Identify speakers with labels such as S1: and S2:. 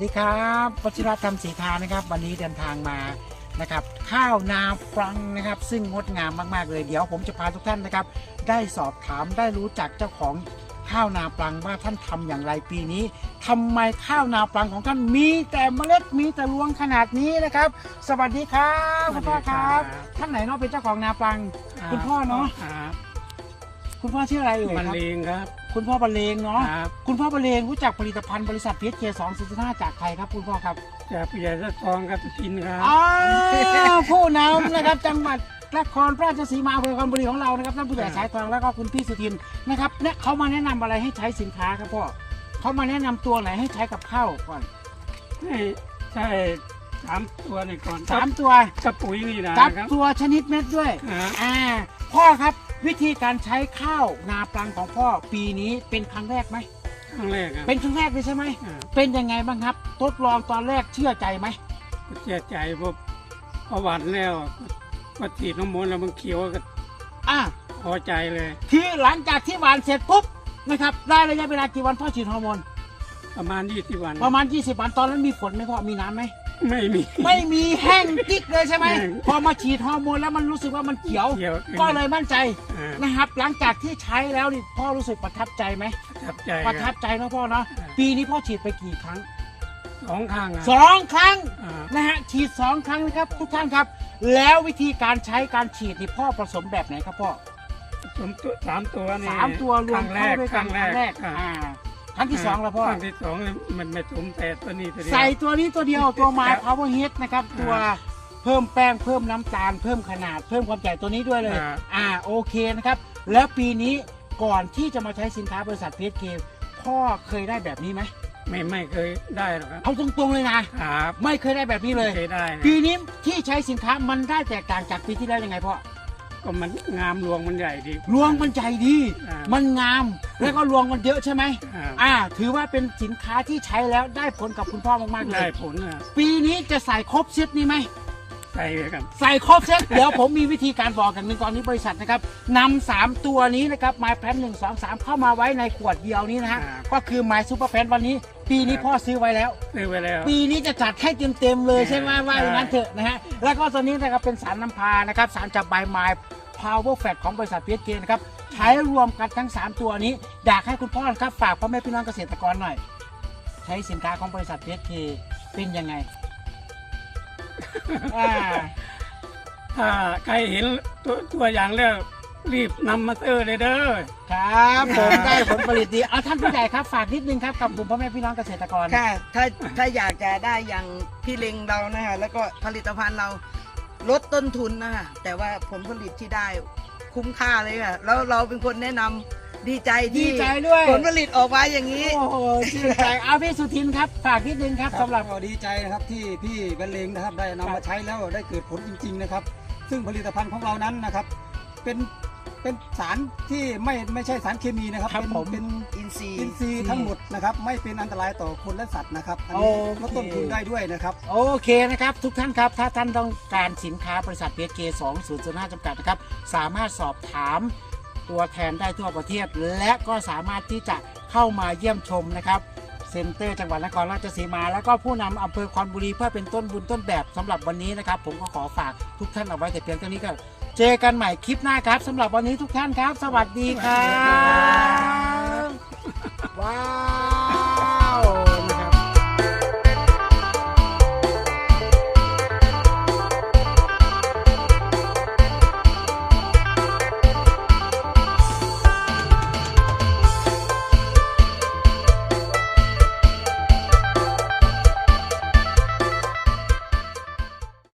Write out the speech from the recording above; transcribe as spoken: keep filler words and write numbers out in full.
S1: ดีครับวชิรธรรมศรีทานะครับวันนี้เดินทางมานะครับข้าวนาปลังนะครับซึ่งงดงามมากๆเลยเดี๋ยวผมจะพาทุกท่านนะครับได้สอบถามได้รู้จักเจ้าของข้าวนาปลังว่าท่านทำอย่างไรปีนี้ทำไมข้าวนาปลังของท่านมีแต่เมล็ดมีแต่รวงขนาดนี้นะครับสวัสดีครับคุณพ่อครับท่านไหนเนาะเป็นเจ้าของนาปลังคุณพ่อเนาะคุณพ่อชื่ออะไรเอ่ย
S2: บรร
S1: ครับ
S2: เลงครับ
S1: คุณพ่อบรรเลงเนาะ
S2: ครับ
S1: คุณพ่อบรรเลงรู้จักผลิตภัณฑ์บริษัทพี เอส เค สอง ศูนย์ ห้าจากใครครับคุณพ่อครับ
S2: จากปิยะทองครับกินครับ
S1: อ๋อผู้นำนะครับจังหวัดนครราชสีมาอำเภอคอนบุรีของเรานะครับท่านผู้ใหญ่สายทองแล้วก็คุณพี่สุทินนะครับเนี่ยเขามาแนะนำอะไรให้ใช้สินค้าครับพ่อเขามาแนะนำตัวไหนให้ใช้กับข้าวก่อน
S2: ให้ใช่สามตัวนี่ก่อน
S1: สามตัว
S2: กับปุ๋ยนี่นะ
S1: กับ
S2: ครับ
S1: ตัวชนิดเม็ดด้วย
S2: ครับ
S1: อ่าพ่อครับวิธีการใช้ข้าวนาปลังของพ่อปีนี้เป็นครั้งแรกไหม
S2: ครั้งแรกครับ
S1: เป็นครั้งแรกเลยใช่ไหม
S2: อ่า
S1: เป็นยังไงบ้างครับทดลองตอนแรกเชื่อใจไหม
S2: ก็เสียใจเพราะพอหวานแล้วก็ฉีดน้ำมันต์แล้วมันเขียวก็
S1: อ่า
S2: พอใจเลย
S1: คือหลังจากที่หวานเสร็จปุ๊บนะครับได้ระยะเวลากี่วันพ่อฉีดฮอร์โมน
S2: ประมาณยี่สิบวัน
S1: ประมาณยี่สิบวันตอนนั้นมีฝนไหมพ่อมีน้ำไหม
S2: ไม่มี
S1: ไม่มีแห้งจิ๊กเลยใช่ไหม
S2: แห้ง
S1: พอมาฉีดฮอร์โมนแล้วมันรู้สึกว่ามันเขียว
S2: เขียว
S1: ก็เลยมั่นใจ
S2: อ่า
S1: นะครับ หลังจากที่ใช้แล้วนี่พ่อรู้สึกประทับใจไหม
S2: ประทับใจ
S1: ประ
S2: ค
S1: ทั
S2: รั
S1: บบ ใจนะพ่อเนาะปีนี้พ่อฉีดไปกี่ครั้ง
S2: สองข้างอ่ะ
S1: สองครั้ง
S2: อ่า
S1: นะฮะฉีดสองครั้งนะครับทุกท่านครับ แล้ววิธีการใช้การฉีดนี่พ่อผสมแบบไหนครับพ่อ
S2: สามตัวสามตัวนี่
S1: สามตัวรวม
S2: ค
S1: เข้าด้วย
S2: ค
S1: กั
S2: รั้
S1: น
S2: ง
S1: ครั้งแรก
S2: ครับ
S1: อ่าครั้งที่สองแล้วพ่อ
S2: ครั้งที่สองเนี่ยมันไม่สมแต่ตัวนี้ตัวเดียว
S1: ใส่ตัวนี้ตัวเดียวตัวไม้
S2: ครับ
S1: power hit นะครับตัว
S2: อ่า
S1: เพิ่มแป้งเพิ่มน้ำตาล เพิ่มขนาดเพิ่มความใหญ่ตัวนี้ด้วยเลย
S2: อ่า
S1: อ่าโอเคนะครับ แล้วปีนี้ก่อนที่จะมาใช้สินค้าบริษัท พี เอส เค พ่อเคยได้แบบนี้ไหม
S2: ไม่ไม่เคยได้หรอกครับ
S1: เอาตรงๆเลยนะครับ ไม่เคยได้แบบนี้เลย
S2: ไม่เคยได้นะ
S1: ปีนี้ที่ใช้สินค้ามันได้แตกต่างจากปีที่แล้วยังไงพ่อ
S2: ก็มันงามรวงมันใหญ่ดี
S1: รวงมันใจดี
S2: อ่ามั
S1: มันงามแล้วก็รวงมันเยอะใช่ไหม
S2: อ่า
S1: อ่า ถือว่าเป็นสินค้าที่ใช้แล้วได้ผลกับคุณพ่อมากๆเล
S2: ได้
S1: ย
S2: ผลอ่ะ
S1: ปีนี้จะใส่ครบเซตนี้ไหม
S2: ใส่เลยครับ
S1: ใส่ครบเซต เดี๋ยวผมมีวิธีการบอกกันหนึ่งตอนนี้บริษัทนะครับนำสามตัวนี้นะครับไมแพนหนึ่งสองสามเข้ามาไว้ในขวดเดียวนี้นะฮะก็คือไมซูเปอร์แพนวันนี้ ปีนี้พ่อซื้อไว้แล้ว
S2: ซื้อไว้แล้ว
S1: ปีนี้จะจัดให้เต็มๆเลยใช่ไหม
S2: ใช่
S1: ว่าอย่างนั้นเถอะนะฮะแล้วก็ตัวนี้นะครับเป็นสารน้ำพานะครับสารจับใบไม้ Power Fat ของบริษัท พี เอส เค นะครับใช้รวมกันทั้งสามตัวนี้อยากให้คุณพ่อครับฝากพ่อแม่พี่น้องเกษตรกรหน่อย ใช้สินค้าของบริษัท พี เอส เค เป็นยังไง อ่า
S2: ถ้าใครเห็นตัวตัวอย่างแล้วรีบนำมาซื้อเลยเด้อ
S1: ครับผมได้ผลผลิตดีเอาท่านผู้ใหญ่ครับฝากนิดนึงครับกับกลุ่มพ่อแม่พี่น้องเกษตรกร
S3: ค่ะถ้าถ้าอยากจะได้อย่างพี่เล็งเรานะคะแล้วก็ผลิตภัณฑ์เราลดต้นทุนนะคะแต่ว่าผลผลิตที่ได้คุ้มค่าเลยค่ะแล้วเราเป็นคนแนะนำดีใจ
S1: ดี
S3: ที่
S1: ใจด้วย
S3: ผลผลิตออกมาอย่างนี้
S1: โอ้โหชื่นใจเอาพี่สุทินครับฝากนิดนึงครับสำหรับ
S4: ก็ดีใจนะครับที่พี่บรรเลงนะครับได้นำมาใช้แล้วได้เกิดผลจริง ๆนะครับ ซึ่งผลิตภัณฑ์ของเรานั้นนะครับ เป็นเป็นสารที่ไม่ไม่ใช่สารเคมีนะครับ
S1: ครับ
S4: เป็น
S1: ผม
S4: เป็น
S3: อินทรีย์
S4: อินทรีย์ทั้งหมดนะครับ ไม่เป็นอันตรายต่อคนและสัตว์นะครับอันนี้
S1: โอเค
S4: ลดต้นทุนได้ด้วยนะครับ
S1: โอเคนะครับทุกท่านครับถ้าท่านต้องการสินค้าบริษัท พี เอส เค สองศูนย์ศูนย์ห้า จำกัดนะครับสามารถสอบถามตัวแทนได้ทั่วประเทศ และก็สามารถที่จะเข้ามาเยี่ยมชมนะครับเซ็นเตอร์จังหวัดนครราชสีมา แล้วก็ผู้นำอำเภอคอนบุรีเพื่อเป็นต้นบุญต้นแบบสำหรับวันนี้นะครับผมก็ขอฝากทุกท่านเอาไว้แต่เพียงเท่านี้ก็เจอกันใหม่คลิปหน้าครับสำหรับวันนี้ทุกท่านครับ สวัสดีครับว้าว